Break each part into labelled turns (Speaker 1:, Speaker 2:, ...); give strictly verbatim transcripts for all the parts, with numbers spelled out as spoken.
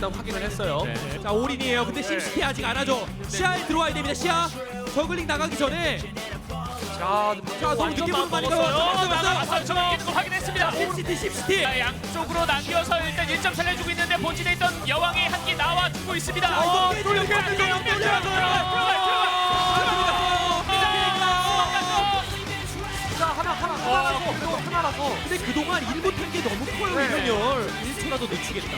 Speaker 1: 일단 확인을 했어요.
Speaker 2: 네. 자 올인이에요. 근데 심시티 아직 안 하죠. 시야에 들어와야 됩니다. 시야. 저글링 나가기 전에.
Speaker 1: 자,
Speaker 2: 자 너무 늦게 보는 거 아닌가요?
Speaker 3: 나가서 저 끼는 거 확인했습니다.
Speaker 2: 심시티 심시티.
Speaker 3: 자, 양쪽으로 남겨서 일단 일 점 살려주고 있는데 본진에 있던 여왕이 한 끼 나와주고 있습니다.
Speaker 2: 자 이거 깨지면
Speaker 3: 들어가,
Speaker 2: 깨지면
Speaker 3: 들어가,
Speaker 2: 깨지면
Speaker 3: 들어가,
Speaker 1: 자, 하나, 하나, 하나라서, 그래도 하나라서.
Speaker 2: 근데 그동안 일 못한 게 너무 커요.
Speaker 1: 네.
Speaker 2: 이병렬 일 초라도 늦추겠다.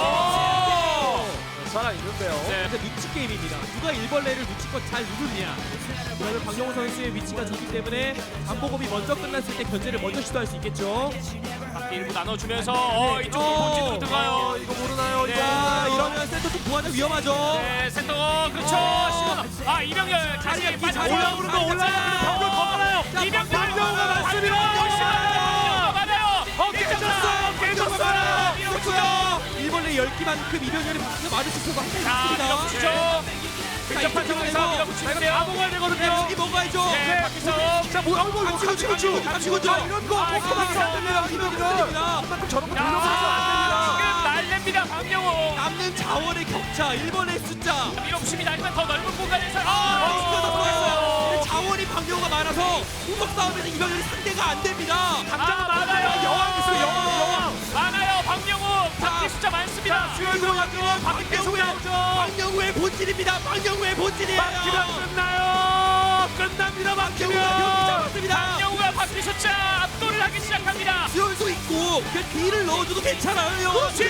Speaker 1: 살아있는데요.
Speaker 3: 네.
Speaker 2: 근데 눈치 게임입니다. 누가 일벌레를 눈치껏 잘 누르냐. 그러면 박영호 선수의 위치가 좋기 때문에 안보검이 먼저 끝났을 때 견제를 먼저 시도할 수 있겠죠.
Speaker 3: 바퀴 일부 나눠주면서 어, 이쪽
Speaker 2: 어.
Speaker 3: 본진으로 들어가요.
Speaker 1: 어, 이거 모르나요?
Speaker 3: 네.
Speaker 1: 이거
Speaker 2: 자
Speaker 1: 모르나요?
Speaker 2: 이러면 센터 쪽 부하자 위험하죠.
Speaker 3: 네, 센터 그렇죠.
Speaker 2: 어.
Speaker 3: 시원. 아 이병렬 다시
Speaker 2: 자리야,
Speaker 3: 빠져
Speaker 2: 자리야.
Speaker 3: 올라오는 거
Speaker 2: 자리야.
Speaker 3: 올라오는 거 방금 더 많아요.
Speaker 2: 자,
Speaker 3: 이병렬
Speaker 2: 박병호가
Speaker 3: 맞습니다.
Speaker 1: 맞습니다.
Speaker 3: 맞아요. 어
Speaker 2: 깨졌어요.
Speaker 3: 깨졌어요.
Speaker 2: 깨졌어요. 일벌레 열 기만큼 이병렬이 박수가 맞을 수 있어서
Speaker 3: 자
Speaker 2: 합니다.
Speaker 3: 밀어붙이죠. 근접한 상황에서 밀어붙이는데요.
Speaker 1: 다 먹어야 되거든요.
Speaker 2: 여기 먹어야죠.
Speaker 3: 네, 바퀴 싸움.
Speaker 1: 자, 뭐, 아이고, 이거
Speaker 2: 감시고 감시고 감시고
Speaker 1: 자, 이런 거
Speaker 3: 아,
Speaker 1: 포커밖에 안 됩니다. 이병렬은.
Speaker 2: 됩니다.
Speaker 1: 그만큼 저런 거
Speaker 3: 야,
Speaker 1: 돌려서는 안
Speaker 3: 지금 날렵니다 박명호.
Speaker 2: 남는 자원의 격차 일본의 숫자.
Speaker 3: 밀어붙입니다. 하지만 더 넓은 공간에서
Speaker 2: 아,
Speaker 3: 아,
Speaker 2: 진짜 더 좋았어요. 근데 자원이 방류가 많아서 우석 싸움에서 이병렬이 상대가 안 됩니다.
Speaker 3: 아 많아요.
Speaker 1: 여왕 있어요, 여왕, 여왕.
Speaker 3: 많아요. 박명호 바퀴 숫자 많습니다.
Speaker 2: 수혈도 맞죠. 박영우의 박영우의 본질입니다. 박영우의 본질이에요.
Speaker 1: 막히면 끝나요. 끝납니다,
Speaker 2: 박영우가 경기
Speaker 1: 막히면.
Speaker 2: 잡았습니다.
Speaker 3: 박명호가 바퀴 숫자 압도를 하기 시작합니다.
Speaker 2: 수혈도 있고 그 뒤를 넣어줘도 괜찮아요.
Speaker 3: 그렇지.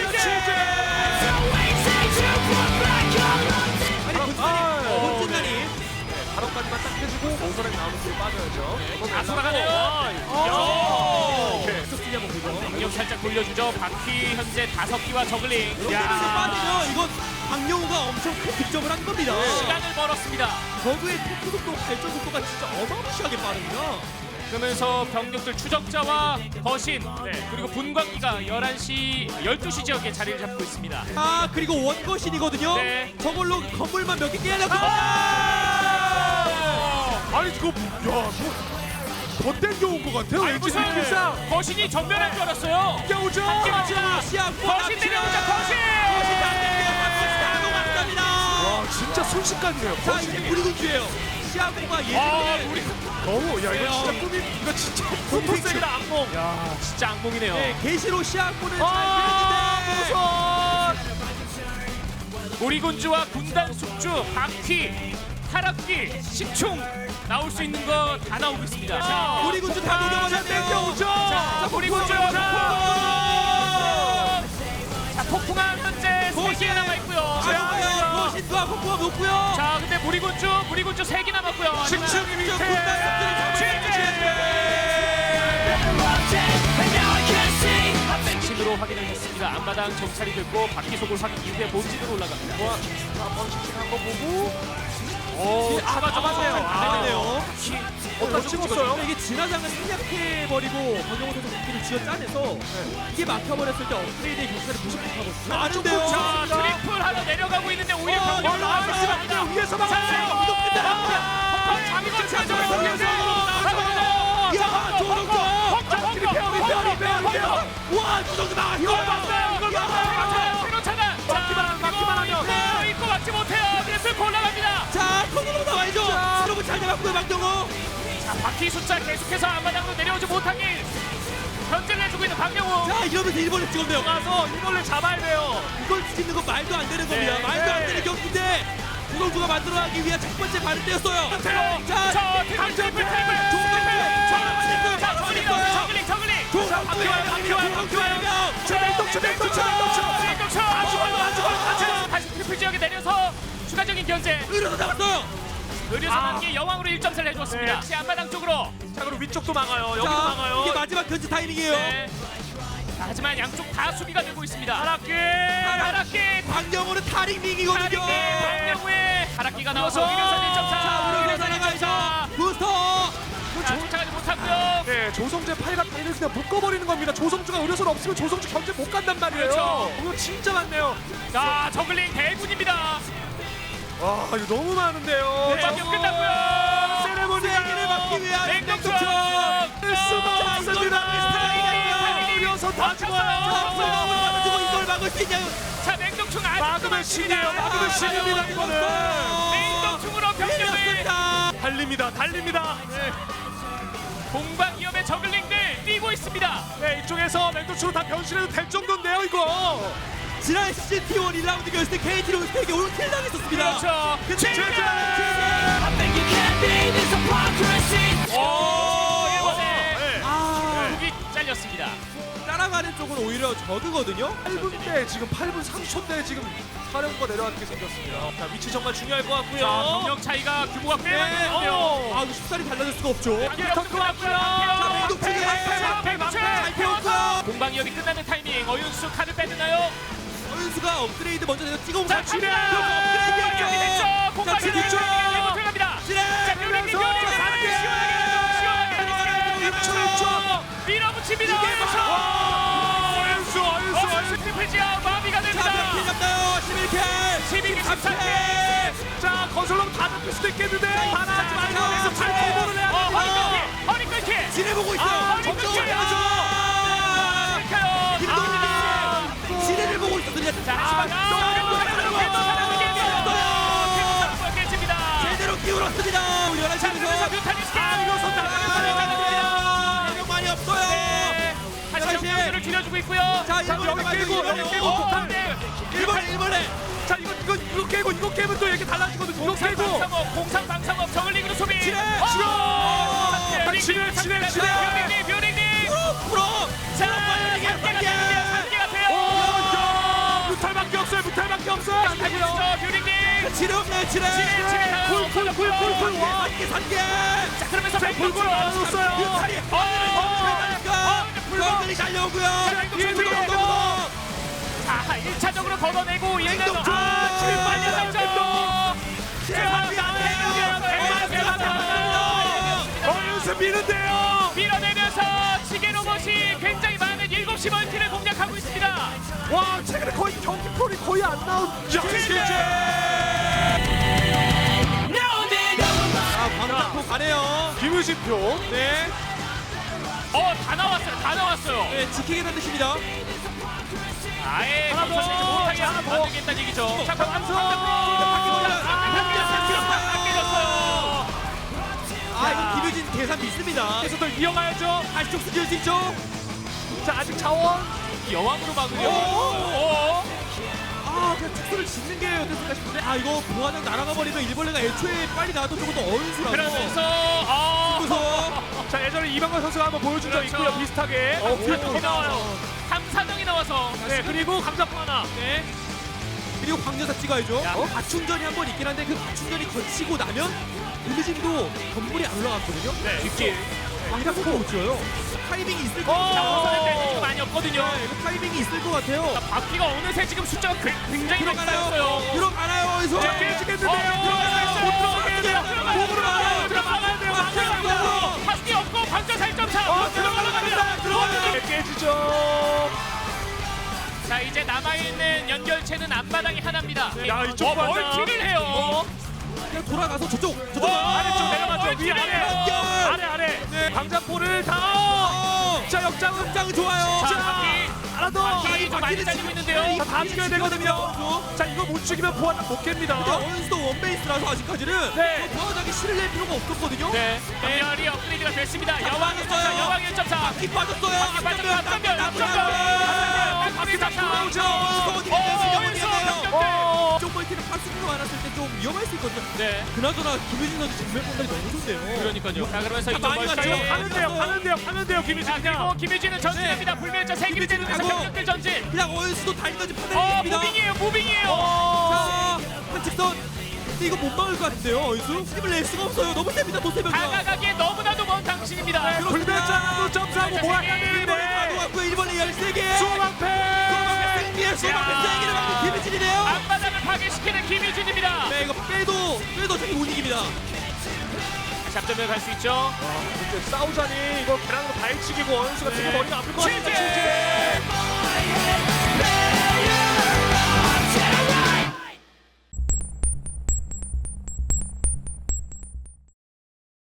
Speaker 2: 아니 본질이
Speaker 1: 아,
Speaker 2: 본질이
Speaker 1: 발언까지만 딱 해주고 오선에 나오는 뒤로 빠져야죠.
Speaker 3: 다 돌아가네요.
Speaker 1: 어.
Speaker 3: 야.
Speaker 2: 쪽 뛰냐 보죠.
Speaker 3: 강력 살짝 돌려주죠. 바퀴 현재 다섯 기와 저글링.
Speaker 2: 이렇게 빠지면 이건 박영우가 엄청 큰 득점을 한 겁니다.
Speaker 3: 시간을 벌었습니다.
Speaker 2: 저그의 토크 속도 발전 속도가 진짜 어마무시하게 빠릅니다.
Speaker 3: 그러면서 병력들 추적자와 거신 네, 그리고 분광기가 열한 시, 열두 시 지역에 자리를 잡고 있습니다.
Speaker 2: 아 그리고 원거신이거든요.
Speaker 3: 네.
Speaker 2: 저걸로 건물만 몇 개 깨려고.
Speaker 1: 아니, 이거, 야, 뭐. 더 땡겨온 것 같아요.
Speaker 3: 아니
Speaker 1: 왠지
Speaker 3: 무슨
Speaker 1: 느낌상.
Speaker 3: 거신이 전멸할 줄 알았어요.
Speaker 1: 땡겨오죠.
Speaker 3: 자,
Speaker 2: 시야
Speaker 3: 거신 내려오자 거신.
Speaker 2: 거신 다 넘어갔습니다.
Speaker 1: 와, 진짜 순식간이네요.
Speaker 2: 자 이제 우리군주예요. 시아고가
Speaker 3: 아,
Speaker 2: 예전에
Speaker 3: 우리
Speaker 1: 너무, 야, 이거
Speaker 2: 네,
Speaker 1: 진짜
Speaker 2: 어.
Speaker 1: 꿈이, 이거 진짜
Speaker 3: 포토스입니다 악몽. 야 진짜 악몽이네요.
Speaker 2: 네, 게시로 시아고는
Speaker 3: 아,
Speaker 2: 잘
Speaker 3: 무슨 우리군주와 군단 숙주, 바퀴, 타락기, 식충 나올 수 있는 거 다 나오고 있습니다. 자,
Speaker 2: 우리 군주 다 녹여버렸네요.
Speaker 1: 땡겨오죠.
Speaker 3: 자, 우리군주. 자, 폭풍함 현재 세 개 남아 있고요.
Speaker 2: 아, 거신과 폭포가 높고요.
Speaker 3: 자, 근데 무리군주, 무리군주 세 개 남았고요.
Speaker 1: 식충이 밑에.
Speaker 3: 진으로 확인을 했습니다. 앞마당 정찰이 됐고 바퀴 속을 확인 이후에 본진으로 올라갑니다.
Speaker 1: 한번 씩씩한 거 보고.
Speaker 3: 오,
Speaker 2: 아,
Speaker 3: 잡아잡아세요.
Speaker 2: 아,
Speaker 1: 어디다 찍었어요?
Speaker 2: 근데 이게 진화장을 생략해버리고 박영호 선수 바퀴를 쥐어 짜내서 이게 막혀버렸을 때 업그레이드의 경찰을 무시못하거든요. 아는데요.
Speaker 3: 자, 트리플 하나 내려가고 있는데 오히려
Speaker 2: 어,
Speaker 3: 병력
Speaker 2: 올라가고
Speaker 3: 나왔습니다.
Speaker 2: 있습니다.
Speaker 1: 위에서
Speaker 3: 자,
Speaker 1: 막았어요.
Speaker 3: 이거
Speaker 2: 끝났다.
Speaker 3: 장관 차죠.
Speaker 2: 야, 조동조. 와, 조동조 나.
Speaker 3: 이걸 봤어요. 이걸 봤어요. 새로 차단.
Speaker 1: 막기만 하면, 막기만 하면.
Speaker 3: 네, 이거 막지 못해요. 트리플 올라갑니다.
Speaker 2: 자, 손으로 나와야죠. 여러분 잘 잡았고요, 박정호.
Speaker 3: 자, 바퀴 숫자 계속해서 앞마당으로 내려오지 못하게 견제를 해주고 있는 박영호.
Speaker 2: 자, 이러면서 일본을 찍었네요.
Speaker 3: 가서 이걸로 잡아야 돼요.
Speaker 2: 이걸 찍는 건 말도 안 되는 겁니다.
Speaker 3: 네,
Speaker 2: 말도 안
Speaker 3: 네.
Speaker 2: 되는 경기인데 조동주가 만들어가기 위한 첫 번째 발을 떼었어요.
Speaker 3: 자,
Speaker 2: 자,
Speaker 3: 자, 트리플, 트리플, 트리플. 자, 저글링, 저글링, 저글링.
Speaker 2: 조동주의
Speaker 3: 바퀴와 바퀴와
Speaker 1: 맹독초, 맹독초, 맹독초.
Speaker 3: 맹독초. 안 죽어요, 안 죽어요. 다시 트리플 지역에 내려서 추가적인 견제.
Speaker 2: 의료도 잡았어요.
Speaker 3: 의료선 한개 여왕으로 일 점 차를 해줬습니다. 다시 앞마당 쪽으로.
Speaker 1: 자, 그리고 위쪽도 막아요. 여기도
Speaker 2: 자,
Speaker 1: 막아요.
Speaker 2: 이게 마지막 견제 타이밍이에요.
Speaker 3: 네. 자, 하지만 양쪽 다 수비가 되고 있습니다. 하락기,
Speaker 2: 하락.
Speaker 3: 하락기,
Speaker 2: 박영호는 타링링이거든요.
Speaker 3: 하락기, 박명우의 하락기가 나와서 의료선 일 점 차.
Speaker 2: 자, 의료선
Speaker 3: 일 점 차.
Speaker 2: 나가죠. 부스터.
Speaker 3: 자, 쫓아가지 못하고요.
Speaker 1: 네, 조성재 팔과 팔을 그냥 묶어버리는 겁니다. 조성주가 의료선 없으면 조성주 견제 못 간단 말이에요.
Speaker 3: 그렇죠.
Speaker 1: 이거 진짜 많네요.
Speaker 3: 자, 저글링 대군입니다.
Speaker 1: 와, 이거 너무 많은데요.
Speaker 3: 네, 경기 끝났고요.
Speaker 1: 세레모니가
Speaker 2: 세기를 막기 위한
Speaker 3: 맹독충.
Speaker 1: 할 수가 없습니다. 의료선 다 죽어요.
Speaker 2: 자, 이걸 막을 수 있냐요.
Speaker 3: 자, 맹독충 메인동충 아직도
Speaker 1: 막으면 신이에요. 막으면 신입니다 이거는.
Speaker 3: 메인동충으로 병력을
Speaker 1: 달립니다. 달립니다.
Speaker 3: 공방위험의 저글링들 뛰고 있습니다.
Speaker 1: 네, 이쪽에서 맹도추로 다 변신해도 될 정도인데요 이거.
Speaker 2: 지난 시즌티원 일 라운드 결승 때 케이티 로스텍에게 올킬 당했었습니다.
Speaker 3: 그렇죠.
Speaker 1: 그치?
Speaker 3: 오, 이번에
Speaker 1: 네.
Speaker 2: 아,
Speaker 3: 국이 잘렸습니다.
Speaker 2: 따라가는 쪽은 오히려 저그거든요.
Speaker 1: 팔 분대 지금 팔 분 삼십 초대 지금 사령부가 내려앉게 생겼습니다. 자, 위치 정말 중요할 것 같고요.
Speaker 3: 자, 병력 차이가 규모가 꽤
Speaker 1: 네,
Speaker 3: 많은데요.
Speaker 1: 어.
Speaker 2: 아, 이거 쉽사리 달라질 수가 없죠.
Speaker 3: 더
Speaker 2: 자, 맹독충이 잘 태웠고요.
Speaker 3: 공방위협이 끝나는 타이밍 어윤수 카드 빼드나요?
Speaker 2: 어윤수가 업그레이드 먼저 내서 찍어온
Speaker 3: 자,
Speaker 2: 지뢰!
Speaker 3: 지뢰! 공방위협이 됐죠.
Speaker 2: 자,
Speaker 3: 공방위협이
Speaker 2: 지뢰!
Speaker 3: 들어갑니다. 들어갑니다.
Speaker 2: 지뢰!
Speaker 3: 자, 묘리님,
Speaker 2: 들어가면서
Speaker 3: 묘리님,
Speaker 2: 시원하게!
Speaker 3: 시원하게, 시원하게, 시원하게 밀어붙입니다.
Speaker 1: 어윤수, 어윤수,
Speaker 3: 어윤수 트리플 지하 마비가
Speaker 2: 자,
Speaker 3: 됩니다.
Speaker 2: 몇 킬 잡나요? 십일 킬!
Speaker 3: 십이 킬, 십삼 킬.
Speaker 1: 자, 건설로 다 잡힐 수도 있겠는데. 하나 하지 말고
Speaker 2: 자,
Speaker 1: 계속 잘
Speaker 2: 자,
Speaker 1: 커버를 해야
Speaker 3: 어, 허리
Speaker 1: 됩니다.
Speaker 3: 끊기, 허리 끊기.
Speaker 2: 지뢰 보고 있어요.
Speaker 3: 아, 허리
Speaker 2: 점점
Speaker 3: 끊기.
Speaker 2: 올려줘.
Speaker 3: 아, 끊겨요.
Speaker 2: 김동민이 지뢰를 보고 있었거든요.
Speaker 3: 자,
Speaker 2: 아,
Speaker 3: 하지만
Speaker 2: 또
Speaker 3: 또
Speaker 2: 사람을
Speaker 3: 사람을 깨집니다.
Speaker 2: 제대로 끼울었습니다. 우리 열한
Speaker 3: 자, 그러면서
Speaker 2: 시에서
Speaker 3: 뮤탈리스트.
Speaker 1: 아, 이거 손 나가요.
Speaker 2: 명 많이 없어요.
Speaker 3: 네. 다시
Speaker 2: 다시.
Speaker 3: 경기를 길어주고 있고요.
Speaker 2: 자,
Speaker 1: 자,
Speaker 2: 일본에
Speaker 1: 여기
Speaker 2: 가야
Speaker 1: 깨고,
Speaker 2: 돼요.
Speaker 1: 여기 깨고,
Speaker 2: 어,
Speaker 1: 폭탄.
Speaker 3: 네.
Speaker 2: 일본에 일본에.
Speaker 1: 자, 이거 이거 이거 깨고 이거 깨면 또 얘기 달라지거든요. 이거
Speaker 3: 공상
Speaker 1: 깨고.
Speaker 3: 방상업, 공상 방상업 저글링으로 소비.
Speaker 2: 지뢰!
Speaker 3: 어!
Speaker 1: 지뢰! 지뢰, 지뢰, 지뢰!
Speaker 3: 뷰링님, 뷰링님.
Speaker 2: 프로.
Speaker 3: 자, 삼 개가 됩니다. 삼 개가 돼요.
Speaker 1: 오, 무탈밖에 없어요. 무탈밖에 없어요. 안 되고요.
Speaker 3: 자, 뷰링님.
Speaker 2: 지뢰 없네 지뢰.
Speaker 3: 지뢰, 지뢰 가요.
Speaker 1: 쿨쿨쿨쿨쿨 와.
Speaker 2: 산개 산개.
Speaker 3: 자, 그러면서
Speaker 1: 골고루 나눴어요.
Speaker 2: 뮤탈이.
Speaker 3: 어, 어,
Speaker 2: 불만들이 달려오고요.
Speaker 1: 뒤에
Speaker 2: 불만
Speaker 1: 뒤에
Speaker 2: 너무.
Speaker 3: 자, 일 차적으로 걷어내고 얘는
Speaker 2: 맹독충!
Speaker 3: 아, 지금 빨리 살죠.
Speaker 1: 어윤수 미는데요.
Speaker 3: 밀어내면서 지게 로봇이 굉장히 많은 일곱 시 멀티를 공략하고 있습니다.
Speaker 1: 와, 최근에 거의 경기 폴이 거의 안 나온.
Speaker 2: 아, 광탁포 가네요.
Speaker 1: 김유진표.
Speaker 2: 네.
Speaker 3: 어, 다 나왔어요. 다 나왔어요.
Speaker 2: 네, 지키겠다는 뜻입니다.
Speaker 3: 아예
Speaker 1: 하나 더,
Speaker 3: 건설을 못하게
Speaker 1: 하나 더.
Speaker 3: 만들겠다는 얘기죠. 자,
Speaker 1: 강수.
Speaker 2: 아, 이거 김유진 계산 믿습니다.
Speaker 1: 계속들 이어가야죠.
Speaker 2: 다시 쪽 쓸 수 있죠?
Speaker 1: 자, 아직 자원.
Speaker 3: 여왕으로 막으려고.
Speaker 2: 오!
Speaker 3: 오!
Speaker 2: 아, 그냥 축소를 짓는 게 어땠을까 싶은데. 아, 이거 부하장 날아가 버리면 일벌레가 애초에 빨리 나와도 조금 어윤수라서.
Speaker 3: 그러면서 어.
Speaker 2: 그래서
Speaker 1: 자, 예전에 이방관 선수가 한번 보여준 적
Speaker 3: 그렇죠.
Speaker 1: 있고요. 비슷하게.
Speaker 3: 어,
Speaker 1: 어,
Speaker 3: 더 나와요. 삼, 사 명이 나와서.
Speaker 1: 네, 그리고 감자포 하나.
Speaker 3: 네.
Speaker 2: 그리고 광전사 찍어야죠.
Speaker 3: 야.
Speaker 2: 어? 과충전이 한 번 있긴 한데 그 과충전이 거치고 나면 김유진도 건물이 안 올라갔거든요.
Speaker 3: 네, 뒷길.
Speaker 2: 광탁포가 못 지어요. 타이밍이 있을 것
Speaker 3: 자,
Speaker 2: 같아요.
Speaker 3: 우선은 때 지금 많이 없거든요.
Speaker 2: 네, 이거 타이밍이 있을 것 같아요.
Speaker 3: 자, 바퀴가 어느새 지금 숫자가 그- 굉장히 많이 쌓였어요.
Speaker 2: 들어가나요? 들어가나요? 어디서?
Speaker 1: 자, 깨지겠는데요.
Speaker 3: 어, 들어가요.
Speaker 1: 못 들어가게 돼요.
Speaker 3: 들어가요.
Speaker 1: 몸으로 나가요.
Speaker 3: 들어가야 돼요.
Speaker 2: 들어가요.
Speaker 3: 바퀴 없고 관절 사 점 차.
Speaker 1: 어, 들어갑니다. 들어갑니다. 깨지죠.
Speaker 3: 자, 이제 남아있는 연결체는 앞바닥이 하나입니다.
Speaker 1: 야, 이쪽
Speaker 3: 어,
Speaker 1: 바닥.
Speaker 3: 멀티를 해요.
Speaker 2: 그냥 돌아가서 저쪽, 저쪽.
Speaker 3: 어,
Speaker 1: 아래쪽 내려가죠. 위
Speaker 3: 멀티를
Speaker 1: 아래.
Speaker 3: 해요.
Speaker 1: 아래 아래.
Speaker 2: 네.
Speaker 1: 강자포를 다.
Speaker 2: 어!
Speaker 1: 자, 역장은
Speaker 2: 극장 좋아요.
Speaker 3: 자,
Speaker 1: 자,
Speaker 3: 바퀴.
Speaker 1: 하나 더.
Speaker 3: 바퀴 좀 많이 잘리고 있는데요.
Speaker 1: 자, 다 죽여야 되거든요. 자, 이거 못 죽이면 보안 못
Speaker 2: 근데
Speaker 1: 깹니다.
Speaker 2: 어윤수도 원베이스라서 아직까지는
Speaker 1: 네.
Speaker 2: 부하장이 실을 낼 필요가 없었거든요.
Speaker 3: 네. 연결이 업그레이드가 됐습니다. 여왕 일 점 사,
Speaker 2: 빠졌어요.
Speaker 3: 여왕 일 점 사.
Speaker 2: 바퀴 빠졌어요.
Speaker 3: 바퀴 빠졌어요. 앞전면, 앞전면.
Speaker 1: 바퀴 다 돌아오죠.
Speaker 2: 어윤수 어디 갔어요? 어디 갔어요?
Speaker 1: 어.
Speaker 2: 쪽 멀티는 파스가 많았을 때 좀 위험할 수 있거든요.
Speaker 3: 네.
Speaker 2: 그나저나 김유진 선수 정면 공간이 너무 좋네요.
Speaker 3: 그러니까요. 자, 그러면서
Speaker 2: 자,
Speaker 3: 이쪽
Speaker 2: 많이
Speaker 3: 멀티.
Speaker 2: 갔죠.
Speaker 1: 가면 돼요. 가면 돼요. 가면 돼요. 김희진
Speaker 3: 자, 그리고
Speaker 1: 그냥.
Speaker 3: 김유진은 전진합니다. 불멸자 세 개를
Speaker 2: 김유진은
Speaker 3: 때리면서
Speaker 2: 가고.
Speaker 3: 병력들 전진.
Speaker 2: 그냥 어윤수도 달리든지
Speaker 3: 어,
Speaker 2: 판단했습니다.
Speaker 3: 무빙이에요. 무빙이에요.
Speaker 2: 자, 한측선. 근데 이거 못 막을 것 같은데요, 어윤수? 힘을 낼 수가 없어요. 너무 셉니다, 도세병이가.
Speaker 3: 다가가기에 너무나도 먼 당신입니다.
Speaker 1: 불멸자도 점수하고 뭐야
Speaker 2: 일본에
Speaker 1: 하는데.
Speaker 2: 가져갔고 일본에 열세 개.
Speaker 1: 수방패.
Speaker 2: 승리의 수박을 세 개를 막는 김유진이네요.
Speaker 3: 앞바닥을 파괴시키는 김유진입니다.
Speaker 2: 네, 이거 빼도 빼도 저기 못 이깁니다.
Speaker 3: 잡점에 갈 수 있죠.
Speaker 1: 이제 싸우자니 이거 계란으로 발치기고 원수가 되게 머리가 아플 것 같은데.
Speaker 3: 취재!